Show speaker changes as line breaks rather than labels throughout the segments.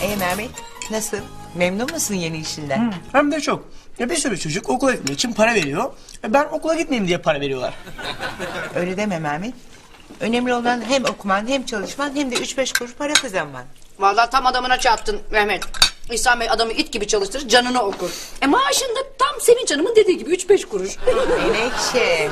Mehmet, nasıl? Memnun musun yeni işinden?
Hem de çok. Bir sürü çocuk okula gitmek için para veriyor. Ben okula gitmeyeyim diye para veriyorlar.
Öyle deme Mehmet. Önemli olan hem okuman hem çalışman hem de 3-5 kuruş para kazanman.
Vallahi tam adamına çarptın Mehmet. İhsan Bey adamı it gibi çalıştırır, canını okur. Maaşında tam Sevinç Hanım'ın dediği gibi 3-5 kuruş.
Menekşe.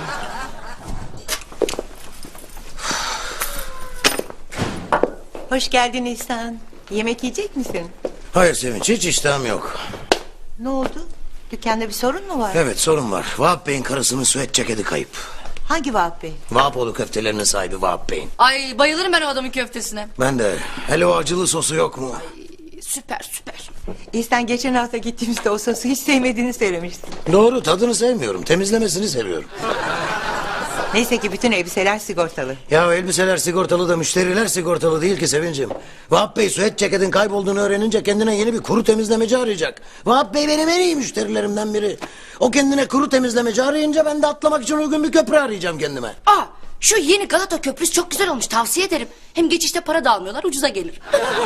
Hoş geldin İhsan. Yemek yiyecek misin?
Hayır Sevinç, hiç iştahım yok.
Ne oldu? Dükkanda bir sorun mu var?
Evet, sorun var. Vahap Bey'in karısının süet ceketi kayıp.
Hangi Vahap Bey?
Vahapoğlu köftelerinin sahibi Vahap Bey'in.
Ay bayılırım ben o adamın köftesine.
Ben de. Hele o acılı sosu yok mu?
Süper süper.
İhsan geçen hafta gittiğimizde o sosu hiç sevmediğini söylemiştin.
Doğru, tadını sevmiyorum. Temizlemesini seviyorum.
Neyse ki bütün elbiseler sigortalı.
Ya elbiseler sigortalı da müşteriler sigortalı değil ki Sevincim. Vahap Bey süet ceketin kaybolduğunu öğrenince kendine yeni bir kuru temizlemeci arayacak. Vahap Bey benim en iyi müşterilerimden biri. O kendine kuru temizlemeci arayınca ben de atlamak için uygun bir köprü arayacağım kendime.
Aa, şu yeni Galata Köprüsü çok güzel olmuş, tavsiye ederim. Hem geçişte para da almıyorlar, ucuza gelir.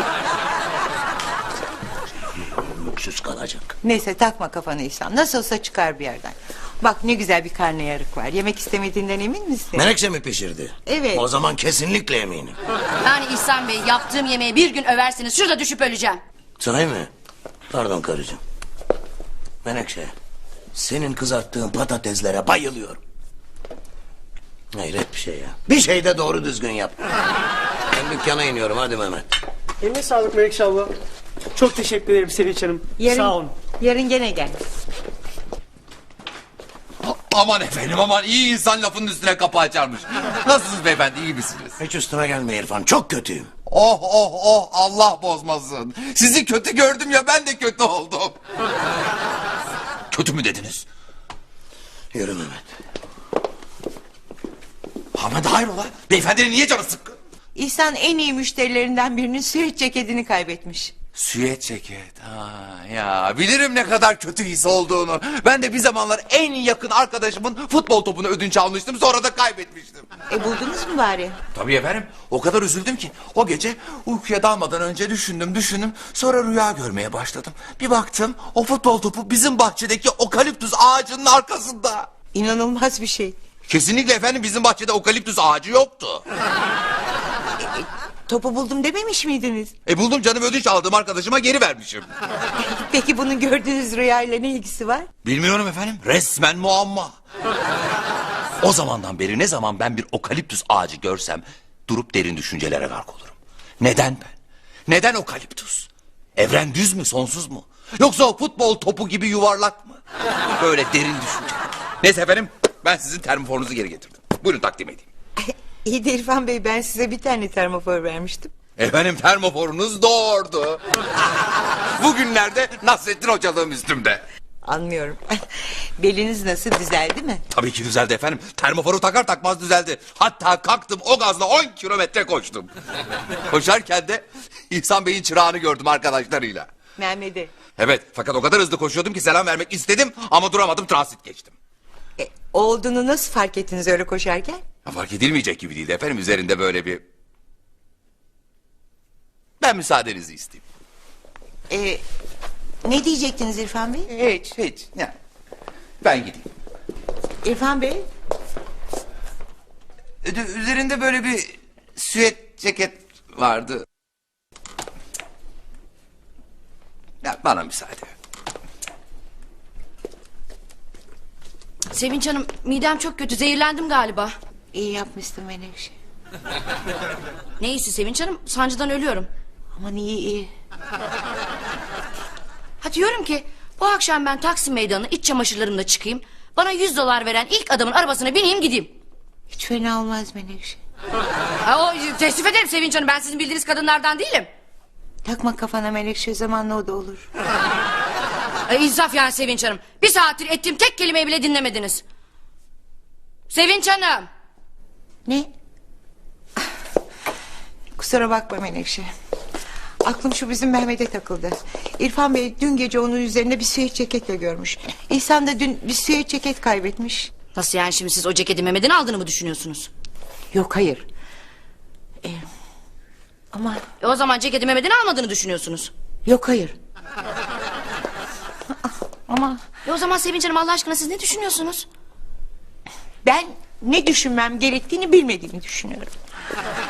Lüksüz kalacak.
Neyse takma kafanı İhsan. Nasıl olsa çıkar bir yerden. Bak ne güzel bir karnıyarık var. Yemek istemediğinden emin misin?
Menekşe mi pişirdi?
Evet.
O zaman kesinlikle eminim.
Yani İhsan Bey yaptığım yemeği bir gün översiniz, şurada düşüp öleceğim.
Sahi mi? Pardon karıcığım. Menekşe, senin kızarttığın patateslere bayılıyorum. Hayret bir şey ya. Bir şey de doğru düzgün yap. Ben dükkana iniyorum, hadi Mehmet.
Eline sağlık Melekşe abla. Çok teşekkür ederim Sevinç Hanım. Sağ olun.
Yarın gene gel.
Aman efendim aman, iyi insan lafının üstüne kapı açarmış. Nasılsınız beyefendi, iyi misiniz?
Hiç üstüme gelme İrfan, çok kötüyüm.
Oh oh oh, Allah bozmasın. Sizi kötü gördüm ya, ben de kötü oldum. Kötü mü dediniz?
Yürü Mehmet.
Ahmet hayrola? Beyefendinin niye canı sıkkın?
İhsan en iyi müşterilerinden birinin süet ceketini kaybetmiş.
Süet ceket. Ha, ya bilirim ne kadar kötü his olduğunu. Ben de bir zamanlar en yakın arkadaşımın futbol topunu ödünç almıştım, sonra da kaybetmiştim.
Buldunuz mu bari?
Tabii efendim, o kadar üzüldüm ki o gece uykuya dalmadan önce düşündüm, sonra rüya görmeye başladım. Bir baktım, o futbol topu bizim bahçedeki okaliptüs ağacının arkasında.
İnanılmaz bir şey.
Kesinlikle efendim, bizim bahçede okaliptüs ağacı yoktu.
Topu buldum dememiş miydiniz?
Buldum canım, ödünç aldığım arkadaşıma geri vermişim.
Peki bunun gördüğünüz rüyayla ne ilgisi var?
Bilmiyorum efendim, resmen muamma. O zamandan beri ne zaman ben bir okaliptüs ağacı görsem durup derin düşüncelere gark olurum. Neden ben? Neden okaliptüs? Evren düz mü, sonsuz mu? Yoksa o futbol topu gibi yuvarlak mı? Böyle derin düşünce. Neyse efendim, ben sizin termoforunuzu geri getirdim. Buyurun takdim edeyim.
İyi de İrfan Bey, ben size bir tane termofor vermiştim.
Efendim termoforunuz doğurdu. Bugünlerde Nasrettin hocalığım üstümde.
Anlıyorum. Beliniz nasıl, düzeldi mi?
Tabii ki düzeldi efendim. Termoforu takar takmaz düzeldi. Hatta kalktım, o gazla 10 kilometre koştum. Koşarken de İhsan Bey'in çırağını gördüm arkadaşlarıyla.
Mehmet'e.
Evet, fakat o kadar hızlı koşuyordum ki selam vermek istedim ama duramadım, transit geçtim.
Olduğunu nasıl fark ettiniz öyle koşarken?
Fark edilmeyecek gibi değildi efendim, üzerinde böyle bir... Ben müsaadenizi isteyeyim.
Ne diyecektiniz İrfan Bey?
Hiç. Yani ben gideyim.
İrfan Bey?
Üzerinde böyle bir süet ceket vardı. Ya bana müsaade.
Sevinç Hanım, midem çok kötü, zehirlendim galiba.
İyi yapmışsın Menekşe.
Ne iyisi Sevinç Hanım, sancıdan ölüyorum.
Aman iyi.
Ha diyorum ki, bu akşam ben Taksim Meydanı'na iç çamaşırlarımla çıkayım. Bana $100 veren ilk adamın arabasına bineyim gideyim.
Hiç fena olmaz Menekşe.
Teessüf ederim Sevinç Hanım, ben sizin bildiğiniz kadınlardan değilim.
Takma kafana Menekşe, zamanla o da olur.
İnsaf yani Sevinç Hanım. Bir saattir ettiğim tek kelimeyi bile dinlemediniz. Sevinç Hanım.
Ne? Kusura bakma Menekşe. Aklım şu bizim Mehmet'e takıldı. İrfan Bey dün gece onun üzerinde bir süet ceketle görmüş. İhsan da dün bir süet ceket kaybetmiş.
Nasıl yani, şimdi siz o ceketi Mehmet'in aldığını mı düşünüyorsunuz?
Yok hayır. Ama
O zaman ceketi Mehmet'in almadığını düşünüyorsunuz.
Yok hayır. Ama
O zaman Sevinç Hanım Allah aşkına siz ne düşünüyorsunuz?
ben ne düşünmem gerektiğini bilmediğimi düşünüyorum.